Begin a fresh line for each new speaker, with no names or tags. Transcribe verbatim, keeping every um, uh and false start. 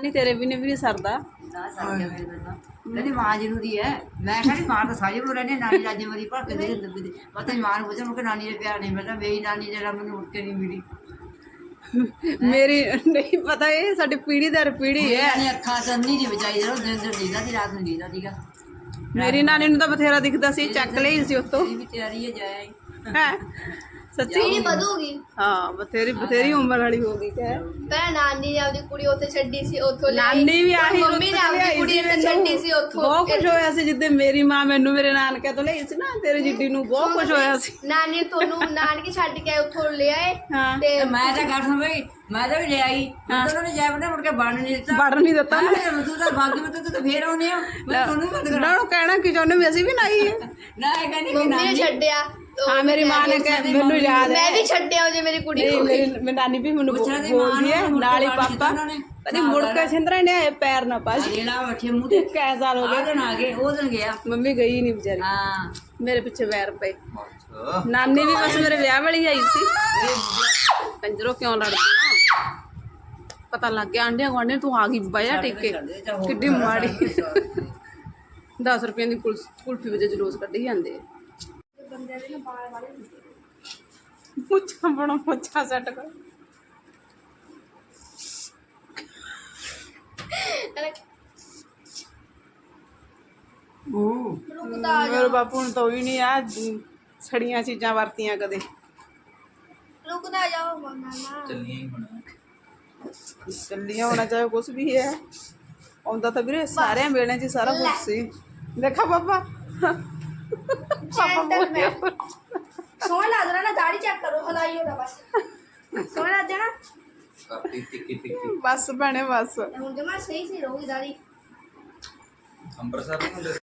नहीं तेरे भी ने भी नहीं सरदा
ना सर क्या मेरे बंदा कहती मां जरूरी है मैं कहती मां तो सारी बोल रही नानी राज्य मेरी पर के दे दे मतलब मां ने पूछा मुझे नानी ने प्यार नहीं मिलता मेरी नानी जरा मैंने उठ के नहीं मिली
मेरी नहीं पता ये साडी पीढ़ी दर पीढ़ी है
नानी अखा तो नहीं जी बचाई जरा दिन दिन दीदा थी रात में दीदा थीगा
मेरी नानी ਨੂੰ ਤਾਂ ਬਥੇਰਾ ਦਿਖਦਾ ਸੀ ਚੱਕ ਲਈ ਸੀ ਉਤੋਂ
भी तैयारी है जाए
ਹੈ ਸੱਚੀ
ਪੀੜੀ ਵਧੂਗੀ
ਹਾਂ ਬਥੇਰੀ ਬਥੇਰੀ ਉਮਰ ਵਾਲੀ ਹੋ ਗਈ ਕਿ
ਮੈਂ ਨਾਨੀ ਨੇ ਆਪਦੀ ਕੁੜੀ ਉੱਥੇ ਛੱਡੀ ਸੀ ਉੱਥੋਂ ਲਿਆਈ।
ਨਾਨੀ ਵੀ ਆਹੀ
ਮੰਮੀ ਨੇ ਆਪਦੀ ਕੁੜੀ ਉੱਥੇ ਛੱਡੀ ਸੀ ਉੱਥੋਂ
ਬਹੁਤ ਕੁਝ ਹੋਇਆ ਸੀ ਜਿੱਦੇ ਮੇਰੀ ਮਾਂ ਮੈਨੂੰ ਮੇਰੇ ਨਾਨਕੇ ਤੋਂ ਲਈ ਸੀ ਨਾ ਤੇਰੇ ਜਿੱਡੀ ਨੂੰ ਬਹੁਤ ਕੁਝ ਹੋਇਆ ਸੀ
ਨਾਨੀ ਨੇ ਤੁਹਾਨੂੰ ਨਾਨਕੇ ਛੱਡ ਕੇ ਉੱਥੋਂ ਲਿਆਏ
ਹਾਂ
ਤੇ
मैं तो घर सुन भाई मैं तो भी ले आई उन्होंने जाए बना मुड़ के बन नहीं देता
ਵੜ ਨਹੀਂ ਦਿੱਤਾ ਨਾ
तू तो भाग्य में तो फिर आने मैं सुनू मत कर
ਉਹਨਾਂ ਨੂੰ ਕਹਿਣਾ ਕਿ ਚਾਹੁੰਦੇ ਵੀ ਅਸੀਂ ਵੀ ਨਾ ਆਈਏ
ना है कहनी कि
ਮੰਮੀ ਨੇ ਛੱਡਿਆ ਤੇ
ਹਾਂ ਮੇਰੀ ਮਾਂ ਨੇ ਕਿਹਾ ਮੈਨੂੰ ਯਾਦ ਹੈ
ਮੈਂ ਵੀ ਛੱਡਿਆ ਜੇ ਮੇਰੀ ਕੁੜੀ
ਨਹੀਂ
ਨੂੰ
ਮੇਰੀ ਮੇਰੀ ਨਾਨੀ ਵੀ ਮੈਨੂੰ
ਪੁੱਛਣਾ ਤੇ ਮਾਂ
ਬੋਲਦੀ ਹੈ
ਨੂੰ
ਨਾਲ ਹੀ
ਮੁੜ ਕੇ
ਪਾਪਾ
ਉਹਨਾਂ ਨੇ।
ਕਦੀ ਮੁੜ ਕੇ ਸਿੰਦਰਾ ਨੇ ਆਏ ਪੈਰ ਨਾ ਪਾ ਜੀ
जेड़ा बैठे मुंह ते
ਕੈ ਸਾਲ ਹੋ
आ
ਗਏ
दिन आ गए वो दिन गया
ਮੰਮੀ ਗਈ ਨਹੀਂ ਵਿਚਾਰੀ
हाँ
ਮੇਰੇ ਪਿੱਛੇ ਵੈਰ ਪਏ ਨਾਨੀ ਵੀ ਬਸ ਮੇਰੇ ਵਿਆਹ ਵਾਲੀ ਆਈ ਸੀ ਕੰਜਰੋ ਕਿਉਂ ਲੜਦੇ ਹੋ ਪਤਾ ਲੱਗ ਗਿਆ ਆਂਢੀਆਂ ਗੁਆਂਢੀਆਂ ਤੂੰ ਆ ਗਈ ਬਾਇਆ ਟਿੱਕੇ ਕਿੱਡੀ ਮਾੜੀ ਦਸ ਰੁਪਏ ਦੀ ਕੁਲ ਕੁਲਫੀ ਵਜੇ ਜਲੂਸ ਕੱਢੀ ਜਾਂਦੇ
ਬੰਦੇ ਦੇ ਬਾਲ ਵਾਲੇ
ਮੁੱਛਾਂ ਬਣਾ ਮੁੱਛਾਂ ਸੈੱਟ ਕਰ ਮੇਰੇ ਬਾਪੂ ਨੂੰ ਤਾਂ ਹੀ ਨਹੀਂ ਆ ਛੜੀਆਂ ਚੀਜ਼ਾਂ ਵਰਤੀਆਂ ਕਦੇ
ਰੁਕਦਾ ਜਾਓ ਮਾਮਾ
ਚੱਲੀਆਂ ਹੋਣਾ ਚਾਹੇ ਕੁਛ ਵੀ ਹੈ ਆਉਂਦਾ ਤਾਂ ਵੀਰੇ ਸਾਰਿਆਂ ਵੇਲੇ 'ਚ ਸਾਰਾ ਕੁਝ ਸੀ ਦੇਖਾ ਪਾਪਾ
ਜੈਂਟਲਮੈਨ ਸੋਹਣਾ ਲੱਗ ਰਿਹਾ ਨਾ ਦਾੜੀ ਚੈੱਕ ਕਰੋ ਹਲਾਈ ਹੋਣਾ ਬਸ ਸੋਹਣਾ ਲੱਗ ਜਾਣਾ
ਬਸ ਭੈਣੇ ਬਸ
ਹੁਣ ਜਮਾ ਸਹੀ ਸਹੀ ਰਹੂਗੀ ਦਾੜੀ
ਅੰਬਰਸਰ ਨੂੰ